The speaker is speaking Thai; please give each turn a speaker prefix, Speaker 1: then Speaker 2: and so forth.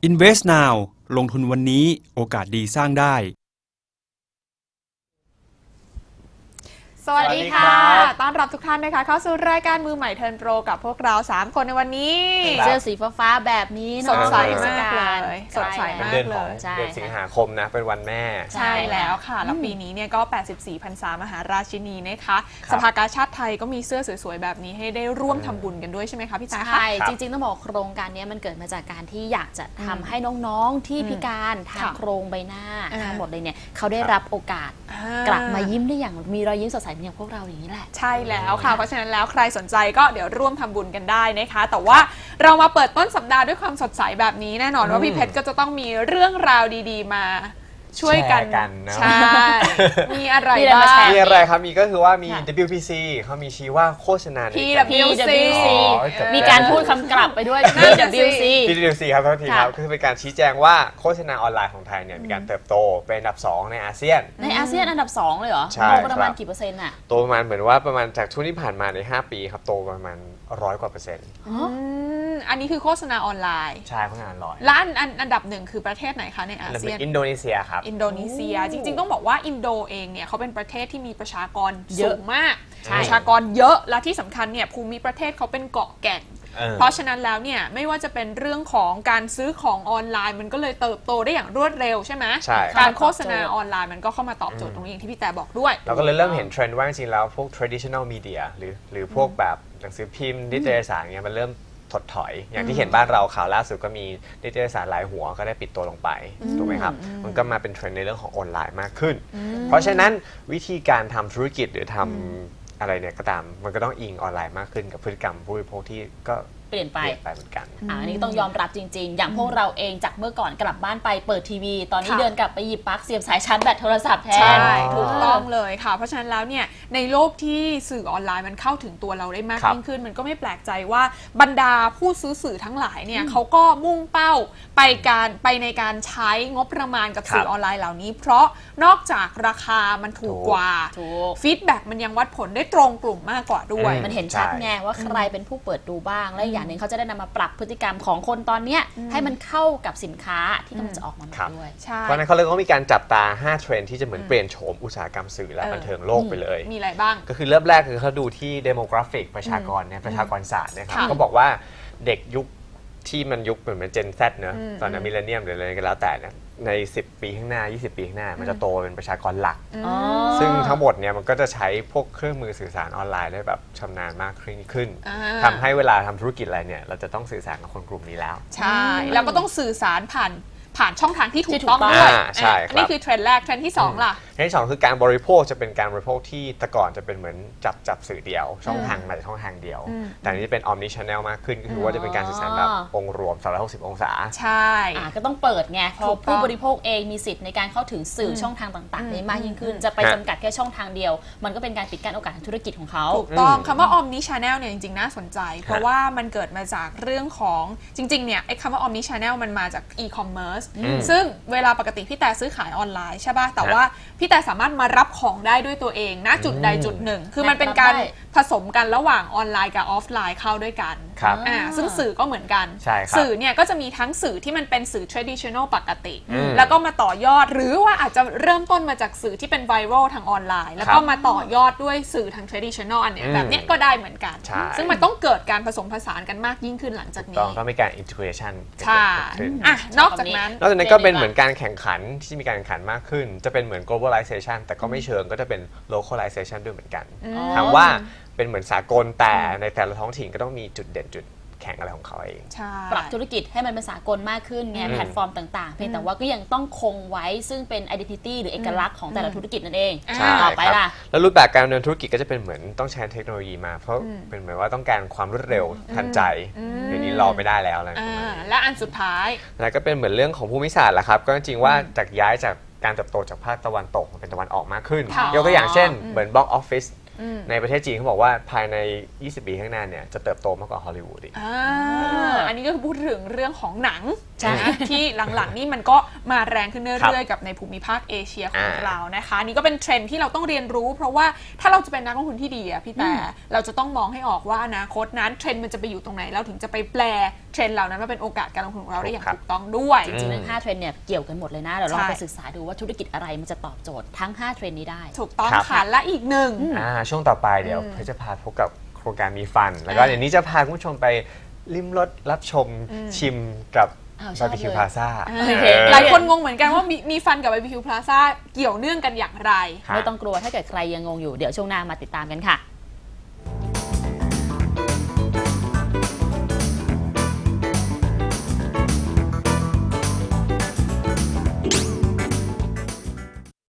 Speaker 1: Invest Now ลงทุนวันนี้โอกาสดีสร้างได้
Speaker 2: สวัสดีค่ะต้อนรับทุกท่านนะคะเข้าสู่รายการมือใหม่เทิร์นโปรกับพวกเรา3คนในวันนี้
Speaker 3: เสื้อสีฟ้าแบบนี้
Speaker 2: สดใสมากเลยสดใสมากเลย
Speaker 4: เดือนสิงหาคมนะเป็นวันแม่
Speaker 2: ใช่แล้วค่ะแล้วปีนี้เนี่ยก็84พรรษามหาราชินีนะคะสภากาชาดไทยก็มีเสื้อสวยๆแบบนี้ให้ได้ร่วมทำบุญกันด้วยใช่ไหมคะพี่จ๋า
Speaker 3: ใช่จริงๆต้องบอกโครงการนี้มันเกิดมาจากการที่อยากจะทำให้น้องๆที่พิการทางโครงใบหน้าทั้งหมดเลยเนี่ยเขาได้รับโอกาสกลับมายิ้มได้อย่างมีรอยยิ้มสดใสเหมือนอย่างพวกเราอย่างนี้แหละ
Speaker 2: ใช่แล้วค่ะเพราะฉะนั้นแล้วใครสนใจก็เดี๋ยวร่วมทำบุญกันได้นะคะแต่ว่าเรามาเปิดต้นสัปดาห์ด้วยความสดใสแบบนี้แน่นอนว่าพี่เพชรก็จะต้องมีเรื่องราวดีๆมาช่วยกัน
Speaker 4: นะ
Speaker 2: ใช่มีอะไรบ้าง
Speaker 4: มีอะไรครับมีก็คือว่ามี WPC เขามีชี้ว่าโฆษณา
Speaker 2: PWC
Speaker 3: มีการพูดคำกลับไปด้วย PWC
Speaker 4: ครับทุกทีครับก็คือเป็นการชี้แจงว่าโฆษณาออนไลน์ของไทยเนี่ยมีการเติบโตเป็นอันดับ2ในอาเซียน
Speaker 3: อันดับ2เลยเหรอโตประมาณกี่เปอร์เซ็นต์อะ
Speaker 4: โตประมาณเหมือนว่าประมาณจากช่วงที่ผ่านมาใน5ปีครับโตประมาณ100 กว่าเปอร์เซ็นต์
Speaker 2: อันนี้คือโฆษณาออนไลน์
Speaker 4: ใช่โฆษณาออนไลน์
Speaker 2: และอันดับ1คือประเทศไหนคะในอาเซียน
Speaker 4: อินโดนีเซียครับ
Speaker 2: อินโดนีเซียจริงๆต้องบอกว่าอินโดเองเนี่ยเขาเป็นประเทศที่มีประชากรสูงมากประชากรเยอะและที่สำคัญเนี่ยภูมิประเทศเขาเป็นเกาะแก่งเพราะฉะนั้นแล้วเนี่ยไม่ว่าจะเป็นเรื่องของการซื้อของออนไลน์มันก็เลยเติบโตได้อย่างรวดเร็วใช่ไหมการโฆษณาออนไลน์มันก็เข้ามาตอบโจทย์ตรงนี้อย่างที่พี่แต่บอกด้วย
Speaker 4: เราก็เลยเริ่มเห็นเทรนด์ว่าจริงๆแล้วพวก traditional media หรือพวกแบบหนังสือพิมพ์นิตยสารเนี่ยมันเริ่มถดถอยอย่างที่เห็นบ้านเราข่าวล่าสุดก็มีนิตยสารหลายหัวก็ได้ปิดตัวลงไปถูกไหมครับมันก็มาเป็นเทรนด์ในเรื่องของออนไลน์มากขึ้นเพราะฉะนั้นวิธีการทำธุรกิจหรือทำอะไรเนี่ยก็ตามมันก็ต้องอิงออนไลน์มากขึ้นกับพฤติกรรมผู้บริโภคที่ก็
Speaker 3: เปลี่ยนไป
Speaker 4: เหมือนกัน
Speaker 3: อันนี้ต้องยอมรับจริงๆอย่างพวกเราเองจากเมื่อก่อนกลับบ้านไปเปิดทีวีตอนนี้เดินกลับไปหยิบปลั๊กเสียบสายชาร์จแบตโทรศัพท์แทน
Speaker 2: ใช่ถูกต้องเลยค่ะเพราะฉะนั้นแล้วเนี่ยในโลกที่สื่อออนไลน์มันเข้าถึงตัวเราได้มากยิ่งขึ้นมันก็ไม่แปลกใจว่าบรรดาผู้ซื้อสื่อทั้งหลายเนี่ยเขาก็มุ่งเป้าไปในการใช้งบประมาณกับสื่อออนไลน์เหล่านี้เพราะนอกจากราคามันถูกกว่าฟีดแบ็กมันยังวัดผลได้ตรงกลุ่มมากกว่าด้วย
Speaker 3: มันเห็นชัดไงว่าใครเป็นผู้เปิดดูบ้างและอย่างนึงเขาจะได้นำมาปรับพฤติกรรมของคนตอนนี้ให้มันเข้ากับสินค้าที่กำลังจะออกมาด้วย
Speaker 4: เพราะนั้นเขาเลยต้องมีการจับตา5เทรนด์ที่จะเหมือนเปลี่ยนโฉมอุตสาหกรรมสื่อและบันเทิงโลกไปเลย
Speaker 2: มีอะไรบ้าง
Speaker 4: ก็คือเริ่มแรกคือเขาดูที่ demographic ประชากรเนี่ยประชากรศาสตร์นะครับเขาบอกว่าเด็กยุคที่มันยุคเหมือนเจน Z เนอะตอนนั้นมิลเลนเนียมหรืออะไรก็แล้วแต่เนี่ยใน10 ปีข้างหน้า20 ปีข้างหน้ามันจะโตเป็นประชากรหลักซึ่งทั้งหมดเนี่ยมันก็จะใช้พวกเครื่องมือสื่อสารออนไลน์ได้แบบชำนาญมากขึ้นทำให้เวลาทำธุรกิจอะไรเนี่ยเราจะต้องสื่อสารกับคนกลุ่มนี้แล้ว
Speaker 2: ใช่แล้วก็ต้องสื่อสารผ่านช่องทางที่ถูกต้องด้วยนี่คือเทรนด์แรกเทรนด์ที่2ล่ะ
Speaker 4: เทรนด์ที่2คือการบริโภคจะเป็นการบริโภคที่แต่ก่อนจะเป็นเหมือนจับสื่อเดียวช่องทางมาจากช่องทางเดียวแต่นี้จะเป็น omni channel มากขึ้นก็คือว่าจะเป็นการสื่อสารแบบองค์รวม360องศา
Speaker 2: ใช่
Speaker 3: ก็ต้องเปิดไงพอผู้บริโภคเองมีสิทธิ์ในการเข้าถึงสื่อช่องทางต่างๆได้มากยิ่งขึ้นจะไปจำกัดแค่ช่องทางเดียวมันก็เป็นการปิดกั้นโอกาสทางธุรกิจของเขา
Speaker 2: ถูกต้องคำว่า omni channel เนี่ยจริงๆน่าสนใจเพราะว่ามันเกิดมาจากเรื่องของจริงๆเนี่ยไอ้คำว่า omni channel มันมาจาก e-commerce ซึ่งเวลาปกติพี่แต่ซื้อขายออนไลน์ใช่ป่ะแต่ว่าพี่แต่สามารถมารับของได้ด้วยตัวเองณจุดใดจุดหนึ่งคือมันเป็นการผสมกันระหว่างออนไลน์กับออฟไลน์เข้าด้วยกันซึ่งสื่อก็เหมือนกันสื่อเนี่ยก็จะมีทั้งสื่อที่มันเป็นสื่อ traditional ปกติแล้วก็มาต่อยอดหรือว่าอาจจะเริ่มต้นมาจากสื่อที่เป็นไวรัลทางออนไลน์แล้วก็มาต่อยอดด้วยสื่อทาง traditional อันเนี้ยแบบเนี้ยก็ได้เหมือนกันซึ่งมันต้องเกิดการผสมผสานกันมากยิ่งขึ้นหลังจากนี้
Speaker 4: ต้องมีการ integration
Speaker 2: ใช่นอกจากนั้น
Speaker 4: ก็เป็นเหมือนการแข่งขันที่มีการแข่งขันมากขึ้นจะเป็นเหมือน globalization แต่ก็ไม่เชิงก็จะเป็น localization ด้วยเหมือนกันถามว่าเป็นเหมือนสากลแต่ในแต่ละท้องถิ่นก็ต้องมีจุดเด่นจุดแข่งอะไรของเขาเอง
Speaker 3: ปรับธุรกิจให้มันเป็นสากลมากขึ้นไงแพลตฟอร์มต่างๆเพียงแต่ว่าก็ยังต้องคงไว้ซึ่งเป็น identity หรือเอกลักษณ์ของแต่ละธุรกิจนั่นเองต่อไปล่ะ
Speaker 4: แล้วรูปแบบการดำเนินธุรกิจก็จะเป็นเหมือนต้องใช้เทคโนโลยีมาเพราะเป็นเหมือนว่าต้องการความรวดเร็วทันใจเดี๋ยวนี้รอไม่ได้แล้วอะไรประมาณนี้
Speaker 2: และอันสุดท้าย
Speaker 4: แล้วก็เป็นเหมือนเรื่องของภูมิศาสตร์แหละครับก็จริงๆว่าจากย้ายจากการเติบโตจากภาคตะวันตกเป็นตะวันออกมากขึ้นยกตัวอย่างเช่นเหมือนบล็อกออฟฟิศในประเทศจีนเขาบอกว่าภายใน 20 ปีข้างหน้าเนี่ยจะเติบโตมากกว่าฮอลลีวูดอีก
Speaker 2: อันนี้ก็คือพูดถึงเรื่องของหนัง
Speaker 3: ใช่
Speaker 2: นะที่หลังๆนี่มันก็มาแรงขึ้นเรื่อยๆกับในภูมิภาคเอเชียของเรานะคะนี่ก็เป็นเทรนด์ที่เราต้องเรียนรู้ เพราะว่าถ้าเราจะเป็นนักลงทุนที่ดีอะพี่แต่เราจะต้องมองให้ออกว่าอนาคตนั้นเทรนด์มันจะไปอยู่ตรงไหนเราถึงจะไปแปลเทรนด์เหล่านั้นมาเป็นโอกาสการลงทุนของเราได้อย่างถูกต้องด้วย
Speaker 3: จริงๆทั้ง5เทรนด์เนี่ยเกี่ยวกันหมดเลยนะเดี๋ยวลองไปศึกษาดูว่าธุรกิจอะไรมันจะตอบโจทย์ทั้ง5เทรนด์นี้ได้
Speaker 2: ถูกต้องค่ะและอีกหนึ่ง
Speaker 4: ช่วงต่อไปเดี๋ยวเพชรจะพาพบกับโครงการมีฟัน แล้วก็เดี๋ยวนี้จะพาคุณผู้ชมไปลิ้มรสรับชมชิมกับบาร์บีคิวพลาซ่า
Speaker 2: หลายคนงงเหมือนกันว่ามีฟันกับ BBQ Plaza เกี่ยวเนื่องกันอย่างไร
Speaker 3: ไม่ต้องกลัวถ้าเกิดใครยังงงอยู่เดี๋ยวช่วงหน้ามาติดตามกันค่ะ